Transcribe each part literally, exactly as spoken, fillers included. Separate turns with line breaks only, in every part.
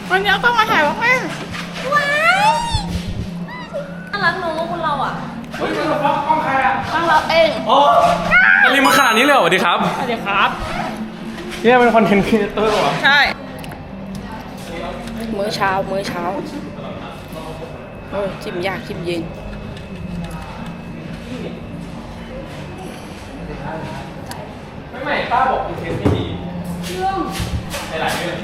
วันนี้ก็มาถ่ายว่าแม่ว้าว
น่ารักน้องคนเราอ่ะ
เฮ้ยกล้องกล้องใครอ่ะ
ต้องเราเอง
โอ้อะไรมาขนาดนี้เลยเหรอสวัสดีครับ
สวัสดีครับ
เนี่ยเป็นคอนเทนต์ครีเอเตอร์เหรอ
ใช่มื้อเช้ามื้อเช้าโอ้จิ้มยากจิ้มเย็น
ไม่ไม่ป้าบอกคอนเทนต์ไม่ดีเรื่องหลายๆเรื่อง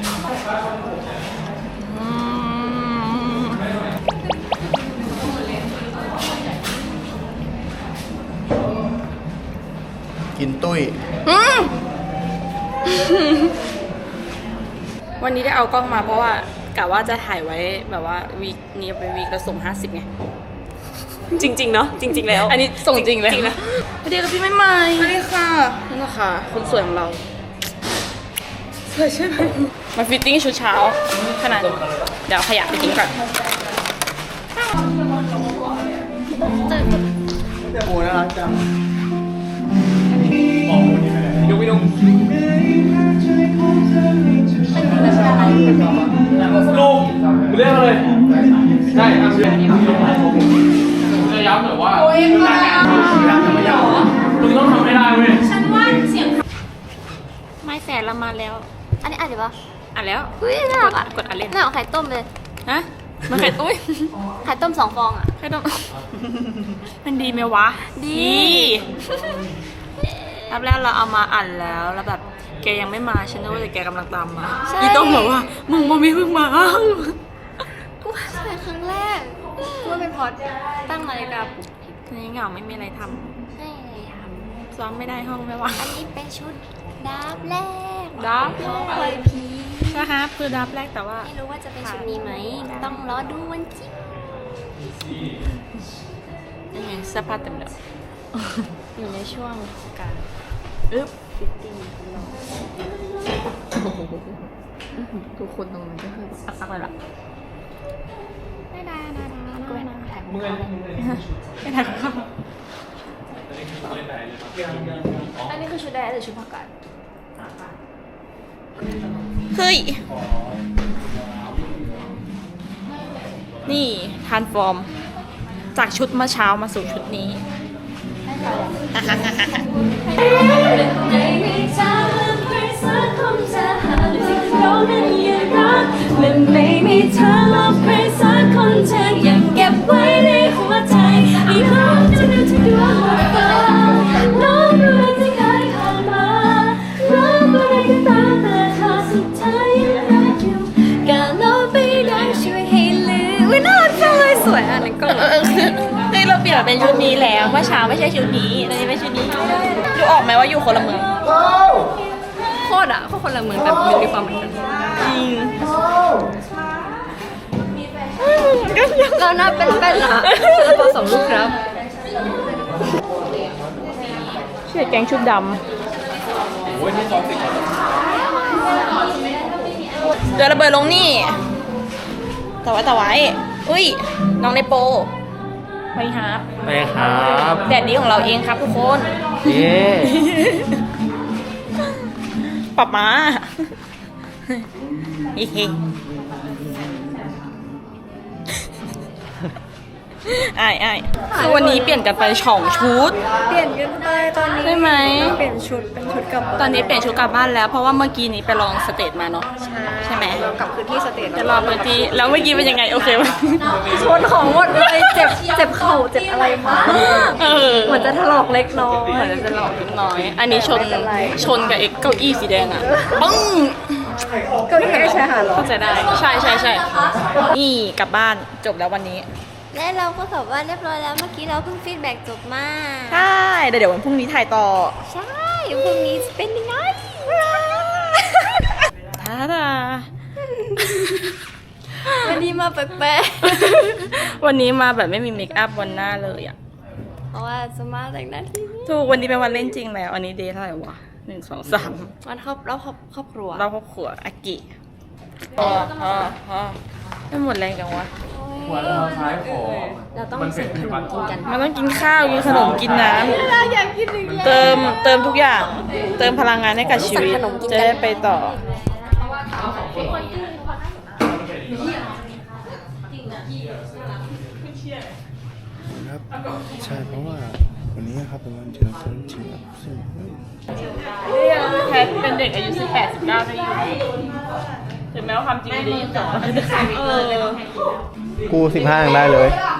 กินตุ้ย
วันนี้ได้เอากล้องมาเพราะว่ากะว่าจะถ่ายไว้แบบว่าวีคนี้เป็นวีคละส่งห้าสิบไง
จริงๆเนาะจริงๆแล้ว
อันนี้ส่งจริงเลย
จริงนะ
สวัสดีค่ะพี่ไม่ใหม่สวัสดีค่ะนี่นะคะคนสวยของเราสวยใช่ไหมมาฟิตติ้งชุดเช้าขนาดเดี๋ยวขยะไปทิ้งก่อน
โอ้น่ารักจัง
ดูไปดูลูกเรื่องอะไรใช่ครับจะย้ำหน่อยว่าคุณต้องทำให้ได้เว้ย
ฉันว่าเสียง
ไม่แสนละมาแล้ว
อันนี้อ่านดีปะ
อ่ะแล้ว
อุ้ยน่ารักอ่ะ
กดอ่ะเล่น
น่าเอาไข่ต้มเลย
ฮะมันไข่ตุ้ย
ไข่ต้มสองฟองอ่ะ
ไข่ต้มมันดีไหมวะ
ดี
รอบแรกเราเอามาอ่านแล้วแล้วแบบแกยังไม่มาฉันนึกว่าแต่แกกำลังตามมาอีต้องบอกว่ามึงโมมีเพิ่งมา
กูว่าใช่ครั้งแรกกูว่าเป็นพอดตั้งนาฬิกาปลุก
ทีนี้เหงาไม่มีอะไรท
ให้อะไรท
ำซ้อมไม่ได้ห้องไม่ว่าง
ำอันนี้เป็นชุดดับแรก
ดับ
เคยพี
นะครับคือดับแรกแต่ว่า
ไม่รู้ว่าจะเป็นชุดนี้ไหมต้องรอดูวันจริง
ยังไงเสื้อผ้าเต็มเลยอยู่ในช่วงการอึ๊บฟิตติ้งทุกคนตรงนั้นก็คืออักๆเลยล่ะ
ได้ได้ได้ได้ก็ไม่น่าถ่าย
เมื่อย
ไม่ถ่ายข้าว
อันนี้คือชุดแดงหรือชุดผักกาด
เฮ้ยนี่ทานฟอร์มจากชุดเมื่อเช้ามาสู่ชุดนี้
ไม่มีเธอแล้วใครสักคนเธอยังเก็บไว้ในหัวใจอีกครั้งจะนึกถึงดวงตาน้องเรื่องที่เคยผ่านมาน้องอะไรก็ตามแต่เธอสุดท้ายยังรักอยู่การลบไปได้ช่วยให้ลืมวินาทีเลยสวยอ่ะนั่นก็
เออคือเฮ้ยเราเปลี่ยนมาเป็นชุดนี้แล้วเมื่อเช้าไม่ใช่ชุดนี้ตอนนี้เป็นชุดนี้ดูออกไหมว่าอยู่คนละเมือง
โคตรอ่ะโคตรคนละเมืองแต่มีความเหมือนกัน
จริง
เราหน้าเป็นๆอ่ะพอสองลูกครับ
เชื่อแกงชุดด
โอ้ยนี่จอสิ
ำเดือระเบิดลงนี่แต่ไว้แต่ไว้อุ้ยน้องในโปไปครับ
ไปครับ
แดดดีของเราเองครับทุกคน
เย้
ปรับมาไอ้ไอ้คือวันนี้เปลี่ยนกันไปช่องชุด
เปลี่ยนกันไปตอนนี้
ใช่ไหม
เปลี่ยนชุดเป็นชุดกลับ
ตอนนี้เปลี่ยนชุดกลับบ้านแล้วเพราะว่าเมื่อกี้นี้ไปลองสเตจมาเนาะใช่ไหม
เรากลับคืนที่สเตจ
จะรอพื้นที่แล้วเมื่อกี้เป็นยังไงโอเคไหม
ชนของหมดเลยเจ็บเจ็บเข่าเจ็บอะไรมาก
เออ
เหมือนจะถลอกเล็กน้อย
เหมือนจะหลอกนิดน้อย อันนี้ชน
ไม่เป็นไร
ชนกับเอ็กเก้าอี้สีแดงอ่ะปึ้ง
เก็ไม่ใช่หาหรอ
เข้าใจได้ใช่ใช่ใช่นี่กลับบ้านจบแล้ววันนี้
และเราก็กลับบ้านเรียบร้อยแล้วเมื่อกี้เราเพิ่งฟีดแบ็กจบมา
ใช่เดี๋ยววันพรุ่งนี้ถ่ายต่อ
ใช่พรุ่งนี้จะเป็นยังไง
ท่าดา
วันนี้มาแปลก
วันนี้มาแบบไม่มีเมคอัพบนหน้าเลยอ่ะ
ๆเพราะว่าจะมาแต่งหน้าที่นี่
ถูกวันนี้เป็นวันเล่นจริงแล้วอันนี้เดย์เท่าไหร่วะหนึ่งสองสาม
วันครอบเราครอบครอบครัว
เราครอบครัวอากิพอพอพอไม่หมดแรงจังวะ
หัวเราท้ายขอ
เราต้องซื้อขนมกินกัน
มันต้องกินข้าวกินขนมกินน้ำ
อยากกินอีกแล้ว
เติมเติมทุกอย่าง เติมพลังงานให้กับชีวิต
สั่งขนมกินกัน
จะได้ไปต่อ
ใช่เพราะว่าวันนี้ครับเป็นวันเกิดของจริงครับซึ่ง
แพทเป็นเด็กอายุสิบแปด สิบเก้าได้อยู่ถึงแม้ว่าความจริงไม่ได้ยี่สิบสองเออ
กูสิบห้ายังได้เลย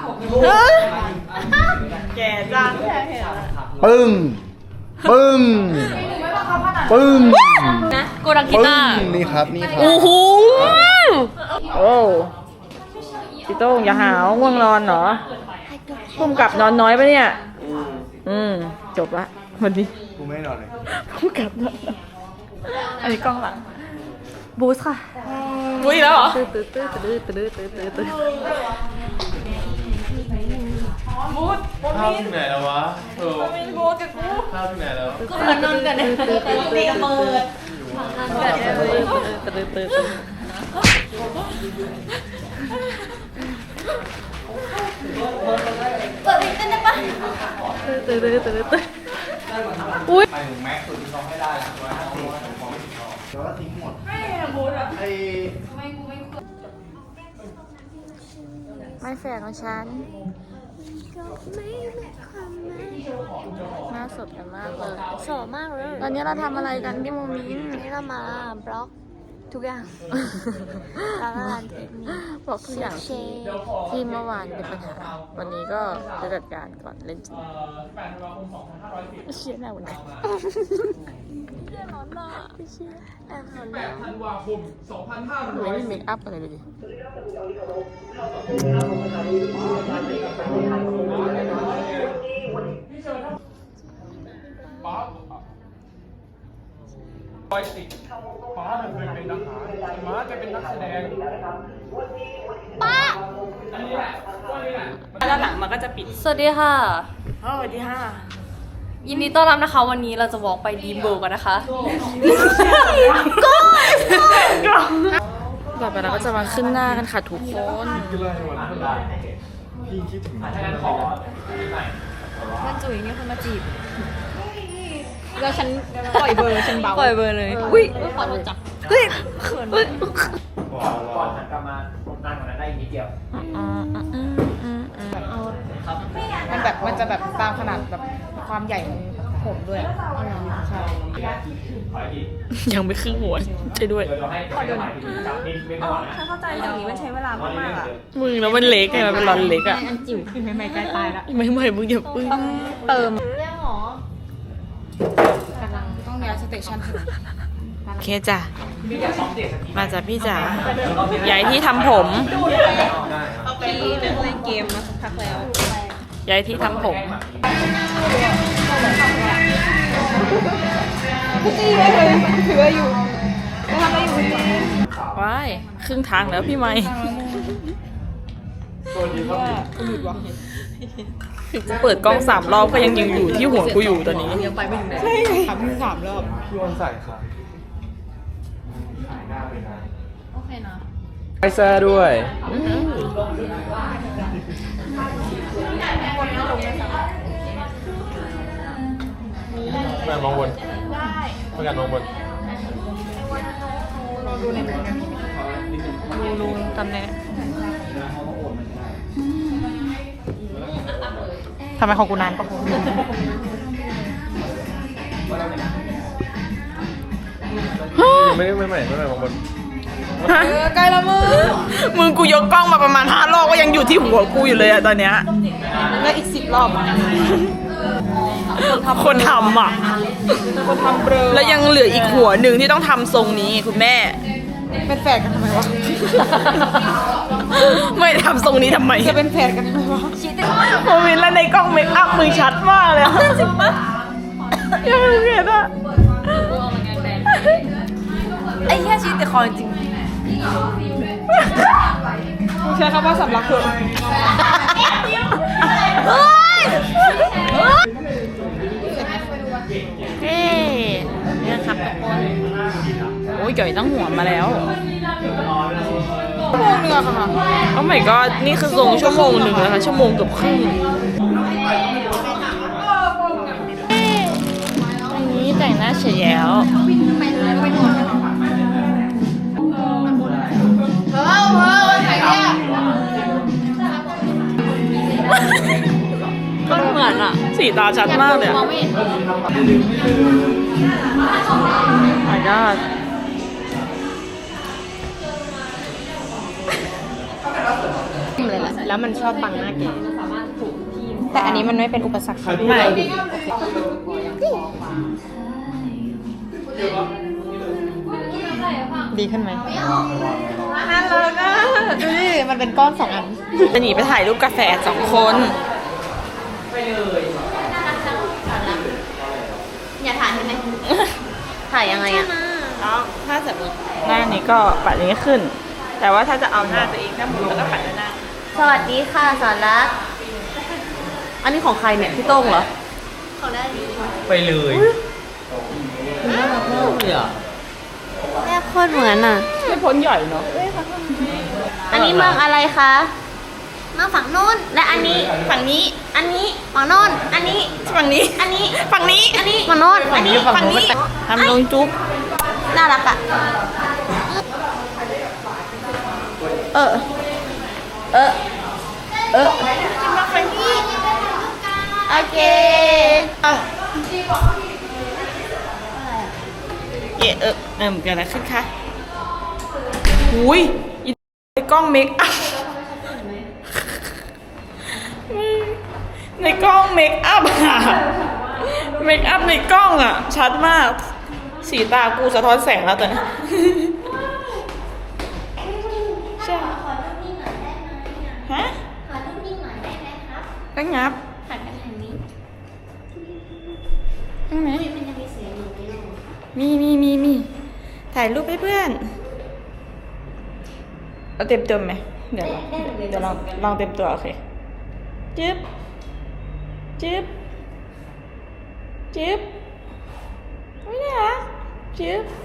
แก่จังแค่เห็น
ปึ้ง ปึ้ง ปึ้ง
นะกูรักกี
ปึ้
ตาร์
ง นี่ครับ นี่ครับ
โอ้โหโอ้พี่โต้งอย่าหาวง่วงนอนเหรอพุ่มกับนอนน้อยปะเนี่ย อืม จบละวันนี้
กูไม่นอนเลย
พุ่มกับนอนอันนี้กล้องหลัง บูสค่ะ บูสอีกแล้วเหรอตื้อตื้อตื้อตื้อตื้อตื้อตื้อตื้อบูส
ข้าวที่ไหนแล้ววะเออ
มีบูสกับกู
ข้าวที่ไหนแล้ว
กูเหมือนนอนกันเลยตีกับมือ
ตื้อตื้อตื้อตื้อ
เปิดเพลงเต้นได้ปะ
ตื้อตื้อตื้อตื้อตื้ออุ้ย
ไปถึงแม็กซ์สุดที่เขาให้ได้แล้วร้อยห้าสิบของไม่ถึงเขาแล้วก็ทิ้งหมดไอ้บูธอะไอ้
ไม่แฝงของฉันน่าสดกันมากเลย
สวยมากเลย
ตอนนี้เราทำอะไรกันพี่โมมิน
วันนี้เรามาบล็อกทุกอย่างร้านร้านเทคนิค
บอกทุกอย่าง
เช
ที่ที่เมื่อวานเป็นปัญหา วันนี้ก็จะจัดการก่อนเล่นจริงเชียร์หน้าเหมือนกัน
ร้อนมากแอบร้อน
แป
มา
ด
ก
ธันวาคมสองพันห้าร้
ไม่
อย
มีเมคอัพอะไรเลยดิ
ป๊าปอยสิป๊าเคยเป็นทหารม้าจะเป็นนักแสดง
ป้า
อันนี้แหละว่านี่แหละ
ด้านหลังมันก็จะปิด
สวัสดีค่ะ
อ๋อสวัสดีค่ะ
ยินดีต้อนรับนะคะ วันนี้เราจะวอล์กไปดีมเบิร์กกันนะคะ
ต่อไปเราก็จะมาขึ้นหน้ากันค่ะทุกคน
พี่คิดถึง
ถ้างั้นขอ
มันจุ๋ยมีคนมาจีบ
แล้วฉันปล่อยเบอร์ฉันเบา
ปล่อยเบอร์เลย อุ้ยขอโดนจับเฮ้ยเขินมาก
ก่อนหันกลับมาผมนั่งก่อนนะได้อีกนิดเดียว
มันแบบมันจะแบบตามขนาดแบบความใหญ่ของผมด้วยใช่ยังไม่ครึ่งหัวใช่ด้วย
เดี๋ยวให้ขอดูหน่อยกับนิดนิดก่อนนะ
เข้าใจอย่างนี้มันใช้เวลามากๆอ่ะ
มึงแล้วมันเล็กไงมันเป็นรอนเล็กอ่ะ
อันจิ๋วคือไม่ไม่ใกล้ตายละ
ไม่ไม่มึงอย่าปึ้งเติม
เรื่องหรอ
ต้องย้ายสเตชันโอเคจ้ะมาจากพี่จ๋าย้ายที่ทำผม
พี่เล่นเกมมาสักพักแล้ว
ย้ายที่ทำผมว้ายครึ่งทางแล้วพี่ไม้กูเปิดกล้องสามรอบก็ยังยังอยู่ที่หัวกูอยู่ตอนนี้ยังไปไม่ถึงไหนใช่ทำที่สามรอบ
พี่วันใส่ค่ะ
โอเคนะ
ไอแซ่ด้วยแม่มองบนได้ประกันมองบน
รูรูตำแหน่งทำไมของกูนานปะ
ยังไม่ได้ไม่ใหม่ไม่ใหม่มองบน
เออใกล้ละมึงมึงกูยกกล้องมาประมาณห้ารอบก็ยังอยู่ที่หัวกูอยู่เลยอะตอนเนี้ยแล้วอีกสิบรอบอะคนทำอะคนทำเบลอแล้วยังเหลืออีกหัวหนึ่งที่ต้องทำทรงนี้คุณแม่เป็นแฝดกันทำไมวะไม่ทำทรงนี้ทำไมจะเป็นแฝดกันทำไมวะโมมินแล้วในกล้องเมคอัพมือชัดมากเลยจริงปะยังไม่เห็นอะ
ไอ้แค่ชีวิตแต่คอจริง
ใช้คำว่าสำลักเถอะ
เฮ้ย
เฮ้เนี่ยครับทุกคนโอ้ยเก๋ตั้งหัวมาแล้วชั่วโมงนึงอะค่ะโอ้ my god นี่คือทรงชั่วโมงหนึ่งนะคะชั่วโมงเกือบครึ่งอันนี้แต่งหน้าเฉยแล้วสีตาชัดมากเลยอะ
มองไม่เห็น
my god
เลยแหละแล้วมันชอบบังหน้าแกแต่อันนี้มันไม่เป็นอุปสรรค
ไม่
ดีขึ้นไหมฮัลโหลก็ดูดิมันเป็นก้อนสองอัน
จะหนีไปถ่ายรูปกาแฟสองคน
อย่าถ่ายใช่ไหมถ่ายยังไงอะ
แล้วถ้าสมมติหน้านี้ก็ปัดอย่างนี้ขึ้น แต่ว่าถ้าจะเอาหน้าตัวเองถ้าหมุนแล้วก็ปัดด้านหน้า
สวัสดีค่ะสอนรักอันนี้ของใครเนี่ยพี่โต้งเหรอของได้ดี
ไปเลยน่ารักมากเลยอ่ะ
แม่โคตรเหมือนอ่ะ
ไม่พ้นใหญ่เนาะ
อันนี้เมืองอะไรคะเมืองฝั่งโน้นและอันนี้ฝั่งนี้ อันนี้ฝั่งโน้นอันนี้
ฝั่งนี้
อันนี้
ฝั่งนี้
อันนี้ฝั่งโน้นอันนี้ฝั่งนี้
ทำลงจุ๊บ
น่ารักอ่ะเออเออเออมาฝั่งนี้โอเค
เอะเออเอิ่มเกิดอะไรขึ้นคะหุยอีในกล้องเมคอัพในกล้องเมคอัพอะเมคอัพในกล้องอะชัดมาก สีตากูสะท้อนแสงแล้วตอนนี้ใช่ฮะ
ขอรูปนิ่งหน่อยได้ไหมครับ
ก็งับ
หันกันทางนี้
ใช่ไหม
มันยังมีเสียงอยู่ไหมลูก
มีมีมีมีถ่ายรูปให้เพื่อนเอาเต็มเต็มไหมเดี๋ยวลองเดี๋ยวลองลองเต็มตัวโอเคจึ๊บจึ๊บจึ๊บไม่ได้เหรอจึ๊บ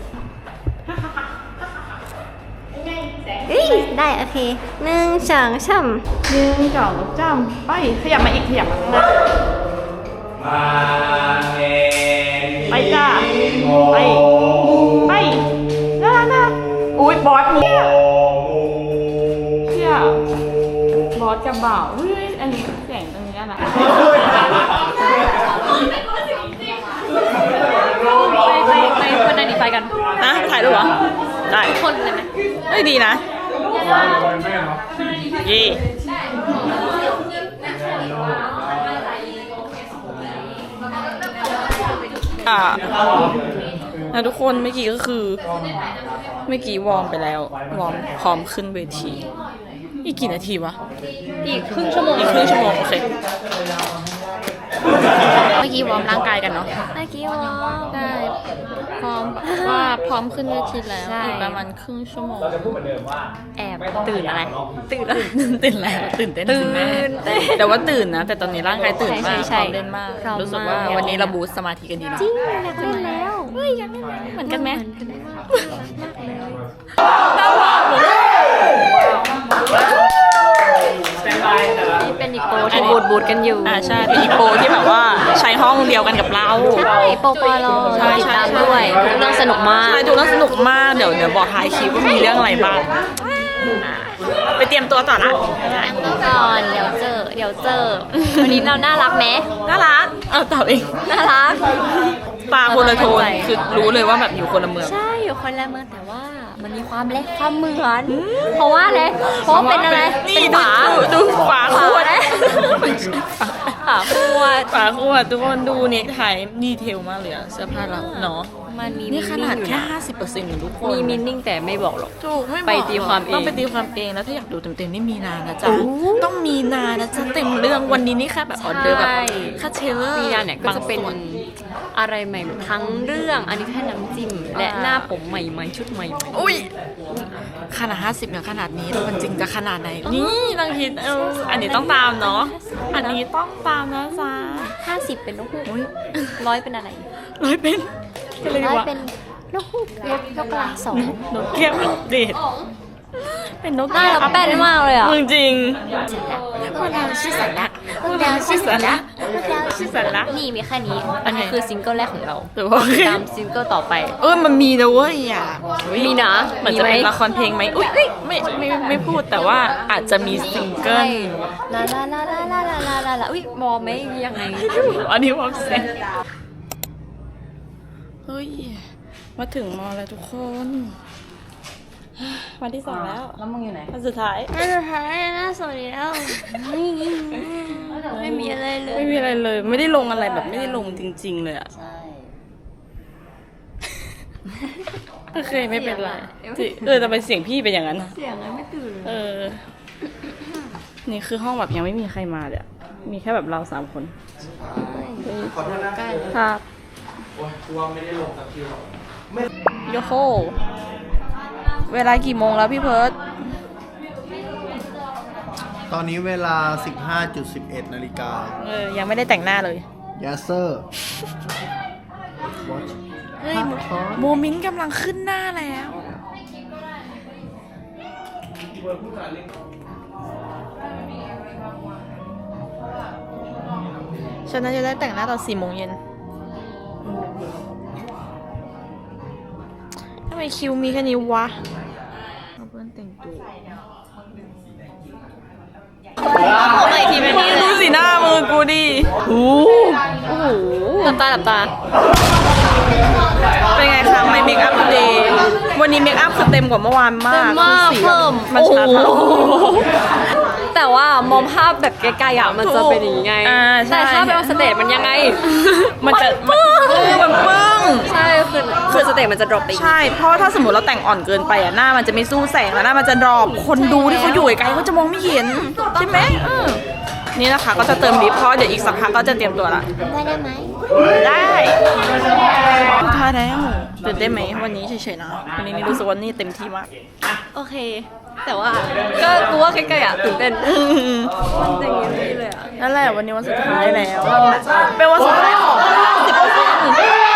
เฮ้ยได้โอเคหนึ่งสองสาม
หนึ่งสองสามไปขยับมาอีกขยับมาข้างหน้า
มาเอง
ไปจ้าไปไปน่ารักน่ารักอุ้ยบอสเนี่ยเชี่ยบอสจะบ่าวเฮ้ยอันนี้แสงตรงนี้น่ารัก
ไปไปไปคนนั้นดีไฟกัน
นะถ่ายรูปเหรอได้
คนเลยไหม
เฮ้ยดีนะยี่อ่านะทุกคนเมื่อกี้ก็คือเมื่อกี้วอร์มไปแล้ววอร์มพร้อมขึ้นเวทีอีกกี่นาทีวะ
อีกครึ่งชั่วโมง
อีกครึ่งชั่วโมงโอเคเมื่อกี้วอร์มร่างกายกันเนาะ
เมื่อกี้วอลได้
พร้อมว่าพร้อมขึ้นเวทีแล้ว
ใช่
อีกประมาณครึ่งชั่วโมง
เราจะพูดเหมือนเดิมว่า
แอบตื่นอะไร ตื่นอะไร
ตื่นแล้วตื่นเต้น
ตื่น
สิแม่
เต้น
แต่ว่าตื่นนะ แต่ตอนนี้ร่างกายตื่นมาก
ใช่ใช่
พร้อมเล่นมาก
พร้อม
รู้สึกว่า
าก
วันนี้เราบูสต์สมาธิกันดีนะ
จริงอยากเล่นแล้วเฮ้ยอยากเล่นแล้ว
เหมือนกันไหม
เหมือนกันมากเลย
สแตนบายแต่ละ
นี่เป็นอีกโปรที่บูดบูดกันอยู่
อ่าใช่เป็นอีโปที่แบบว่าใช้ห้องเดียวกันกับเรา
ใช่โปรปลอ
ใช่
ติด
ใช่
ตามด้วยทุกเรื่องสนุกมาก
ใช่ดูแล้วสนุกมากเดี๋ยวเดี๋ยวบอกท้ายคลิปว่ามีเรื่องอะไรบ้างอ่าไปเตรียมตัวต่อนะ
ก่อนเดี๋ยวเจอเดี๋ยวเจอวันนี้เราน่ารักไหม
น่ารักเอาตอบเอง
น่ารัก
ตาคนละโทนคือรู้เลยว่าแบบอยู่คนละเมือง
ใช่อยู่คนละเมืองแต่ว่ามันมีความเล็กความเหมือนเพราะว่าอะไรเพราะว่าเป็นอะไร
นี่
เป็น
ดู
ฝา
ดูดูฝาขวด
ฝาขวด
ฝาขวดทุกคนดูเน็กไทดีเทลมากเลยอะเสื้อผ้าเราเนาะ
มันมี
นี่ขนาด
อยู่
แค่
นะ
ห้าสิบเปอร์เซ็นต์ทุกคน
มีมินนิ่งแต่ไม่บอกหรอก
ถูกไม่บอก
ไปตีความเอง
ต้องไปตีความเองแล้วถ้าอยากดูเต็มๆนี่มีนานะจ๊ะ
โอ้
ต้องมีนานะจ๊ะเต็มเรื่องวันนี้นี่แค่แบบออเดอร์แบบ
ใช่
ค่าเทเลอร์
มีนาเนี่ยก็จะเป็น
บางส่ว
อะไรใหม่ทั้งเรื่องอันนี้แค่น้ำจิ้มและหน้าผมใหม่ๆชุดใหม่ๆ
อุ้ยขนาดห้าสิบเนี่ยขนาดนี้แล้วมันจริงจะขนาดไหนนี่ลองคิดเอออันนี้ต้องตามเนาะอันนี้ต้องตามนะจ๊ะ
ห้าสิบเป็นนกฮูกร้อยเป็นอะไร
ร้อยเป็นอะไร
ร้อยว
ะ
เป็นนกฮูกยกยกกระสอง
นกแก้วเดดเป็นนก
หน้า
แก้ว
เราแป้นมากเลยอ่ะ
มึงจริง
พวกเราชื่อสันละพวกเราชื่อสันละ
ชื่อสาระ
นี่มีแค่นี้ อันนี้คือซิงเกิลแรกของเรา
แต่ว่า
ตามซิงเกิลต่อไป
เออมันมีนะเว้ยอ่ะ
มีนะ
เหมือนจะเป็นละครเพลงไหมอุ้ยเอ้ยไม่ไม่ไม่ไม่พูดแต่ว่าอาจจะมีซิงเกิล
ลาลาลาลาลาลาลาลาลาอุ้ยมองไหมยังไง
อันนี้ความเซ็งเฮ้ยมาถึงมอแล้วทุกคนวันที่สองแล้วแล้วมึงอยู่ไหนวันสุดท้าย
น่าจะท้ายน่าสวยแล้วไม่มีอะไรเลย
ไม่มีอะไรเลย ไม่ได้ลงอะไรแบบไม่ได้ลงจริง ๆ เลยอะ
ใช่
โอเคไม่เป็นไรที่เออแต่เป็นเสียงพี่เป็นอย่างนั้นนะ
เสียงอะไรไม่ตื่นเลย
เออ นี่คือห้องแบบยังไม่มีใครมาเลยอะมีแค่แบบเราสามคน
ขอโทษนะครับ โอ้ยกลัวไม่ได้ลงสักทีหรอก
โยโคเวลากี่โมงแล้วพี่เพิร์ด
ตอนนี้เวลา สิบห้าจุดสิบเอ็ด นาฬิกา
เออยังไม่ได้แต่งหน้าเลย
Yes sir
เฮ้ยโมมินต์กำลังขึ้นหน้าแล้ว ฉันน่าจะได้แต่งหน้าตอนสี่โมงเย็นทำไมคิวมีแค่นี้วะเอาเพื่อนแต่งตัว
ผมอีกทีเป็นนี้เล
ดู
ย
สีหน้ามือกูดิโอ้โห
หลับตาหลับตา
เป็นไงคะไม่เมคอัพเดย์วันนี้เมคอัพคือเต็มกว่าเมื่อวานมาก
มาก
คือสี
เพิ่ม
มันชัด
โอ้
มาก
โหแต่ว่ามองภาพแบบไกลๆอ่ะมันจะเป็นอย่างไง
อ่าใช่
แต่ถ้าเป็นออนสเตจมันยังไง
มันจะมันเออมันปึ้ง
ใช่คือคือสเตจมันจะดรอปไปอีก
ใช่ เพราะว่าถ้าสมมติเราแต่งอ่อนเกินไปอ่ะหน้ามันจะไม่สู้แสงแล้วหน้ามันจะดรอปคนดูที่เขาอยู่ไกลๆเขาจะมองไม่เห็นใช่ไหมเออนี่นะคะก็จะเติมลิปเพราะเดี๋ยวอีกสักพักก็จะเตรียมตัวละ
ได้ได้ไหม
ได้สุดท้ายแล้วตื่นเต้นไหมวันนี้เฉยๆนะวันนี้นี่รู้สึกว่านี่เต็มที่มาก
โอเค แต่ว่าก็กูว่าใกล้ๆอ่ะตื่นเต้นมันจะอย่างนี้เลยอ่ะ
นั่นแหละวันนี้วันสุดท้ายแล้วเป็นวันสุดท้ายของสิบเปอร์เซ็นต์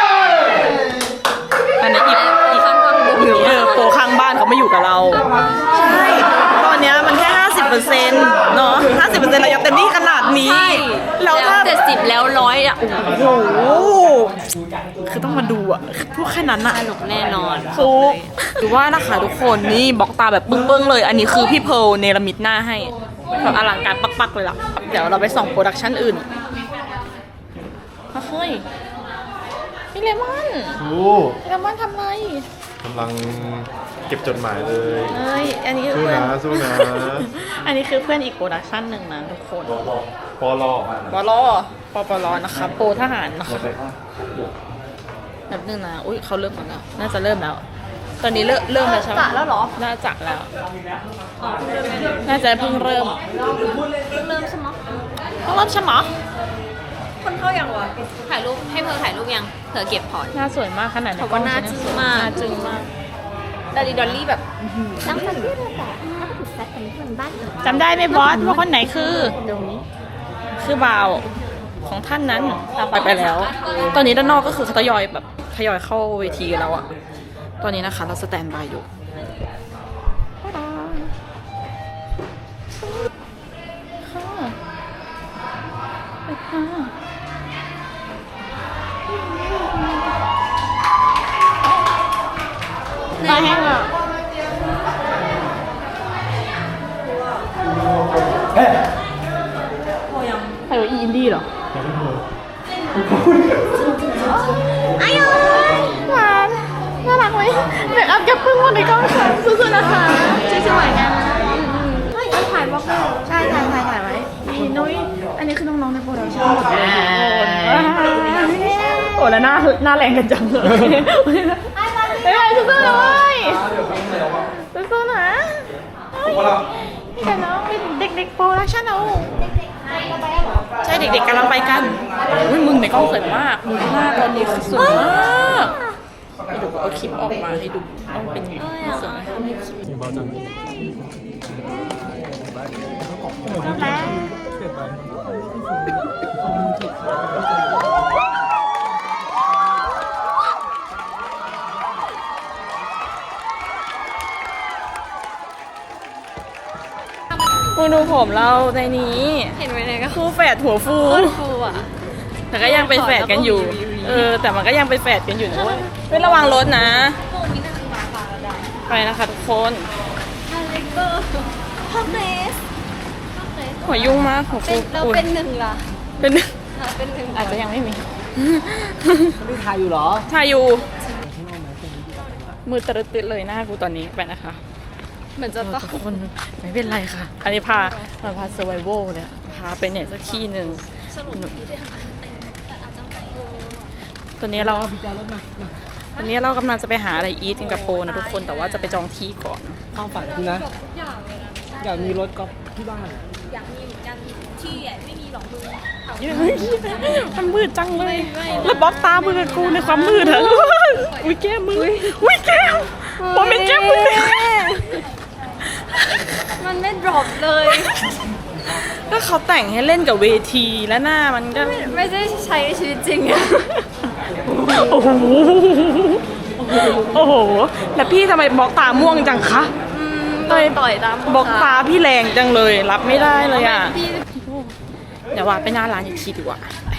อันนี้อีกอีก
ข้างฟังดูอยู่
เออโปรข้างบ้านเขาไม่อยู่กับเราใช่ตอนเนี้ยมันแค่ห้าสิบเปอร์เซ็นต์เนาะห้าสิบเปอร์เซ็นต์เรายังเต็มที่ขนาดนี้
ใช่
แล้ว
แล้ว
ถ้า
เจ็ดสิบแล้วร้อยอ่ะ
โอ้โหคือต้องมาดูอะพวกแค่นั้นอะ
สนุกแน่นอน
ทุกหรือว่านะคะทุกคนนี่บล็อกตาแบบปึ้งๆเลย อันนี้คือพี่เพร์ลเนรมิตหน้าให้แบบอลังการปักๆเลยล่ะเดี๋ยวเราไปส่องโปรดักชั่นอื่นเฮ้ยพี่เลมอน
โอ้
พี่เลมอนทำไร
กำลังเก็บจดหมายเลย
เอ้ยอันนี้
สู้
เพื่อน
นะสู้นะ
อันนี้คือเพื่อนอีกโปรดักชั่นหนึ่งนะทุกคน
ปอลอ
ปลอปปลนะคะโปรทหารนะคะแบบนึงนะอุ้ยเขาเริ่มกันแล้วน่าจะเริ่มแล้ว ตอนนี้เริ่มเริ่มแล้วใช่ไหม
จะแล้วเหรอ
น่าจะแล้ว น่าจะเพิ่งเริ่ม
เริ่มใช่ไหม
เพิ่งเริ่มใช่ไหม
คนเข้ายังวะถ่ายรูปให้เธอถ่ายรูปยังเธอเก็บพอร์ต
หน้าสวยมากขนาดไหน
เขาก็หน้าจึ้งมาก
หน้าจึ้งมาก
ดาริดอลลี่แบบตั้งแต่เรื่องแต่ถ้าถูกแซดกันที่มันบ้าน
จำได้ไหมบอสว่าคนไหนคือ คือบ่าวของท่านนั้นไปไปแล้ว ตอนนี้ด้านนอกก็คือเขาทยอยแบบทยอยเข้าเวทีกันแล้วอะตอนนี้นะคะเราสแตนบายอยู่ค่ะไปค่ะตาแห้งอ่ะใครว่าอีอินดี้เหรออายหวานน่ารักไหมเมคอัพแกพึ่งวันในกล้องค่ะสู้ๆนะคะสวยๆนะเฮ้ยถ่ายบล็อกใช่ถ่ายถ่ายถ่ายไว้นี่นุ้ยอันนี้คือน้องๆในโปรดักชั่นโอ้แล้วหน้าหน้าแรงกันจังเลยไปไปสู้ๆเลยสู้ๆนะแต่น้องเป็นเด็กๆโปรดักชั่นเอาใช่เด็กๆกำลังไปกันอุ้ยมึงในกล้องสวยมากหน้าตอนนี้คือสวยมากให้ดูเอาคลิปออกมาให้ดูต้องเป็นยังไงสวยไหมมึงดูผมเราในนี้
เห็นไหมเนี่ยก็
คู่แฝดหัวฟู
โคตรฟูอ่ะ
แต่ก็ยังเป็นแฝดกันอยู่ เออ แต่มันก็ยังเป็นแฝดกันอยู่นะเว้ยไม่ระวังรถนะ ไปนะคะทุกคน
อเล็กเกอร์พ่อเกรส
หัวยุ่งมากหัว
เป็
ฟู
นเรา
อุ๊ย
เป็นหนึ่งล่ะ
เป็น
เราเป็นหนึ่ง
อาจจะยังไม่มี
ไม่ถ่ายอยู่เหรอ
ถ่ายอยู่มือตะลึดๆเลยหน้ากูตอนนี้ไปนะคะ
เหมือนจะต้อง
ทุกคนไม่เป็นไรค่ะ อันนี้พามาพาเซอร์ไวโวเนี่ยพาไปไหนสักที่หนึ่งตอนนี้เราตอนนี้เรากำลังจะไปหาอะไรอีทกันกับโปนะทุกคนแต่ว่าจะไปจองที่ก่อน
ความฝันคือนะ อยากมีรถกอล์ฟที่บ้าน
อยากมีเหมือนกันที่ใหญ่ไม่มีหรอกมึง
มันมืดจังเลย แล้วบล็อกตามือกับกูในความมืดอะอุ้ยแก้มมืออุ้ยแก้มโมเมนต์แก้มมือ
มันไม่ดรอปเลย
ก็เขาแต่งให้เล่นกับเวทีแล้วหน้ามันก็
ไม่ได้ใช้ในชีวิตจริงอะ
โอ้โหโอ้โหแล้วพี่ทำไมบล็อกตาม่วงจังคะ
อืมต่อยต่อยตาม
บล็อกตาพี่แรงจังเลยรับไม่ได้เลยอ่ะ
พี่
เดี๋ยวว่าไปหน้าร้านอีกทีดีกว่า
ไป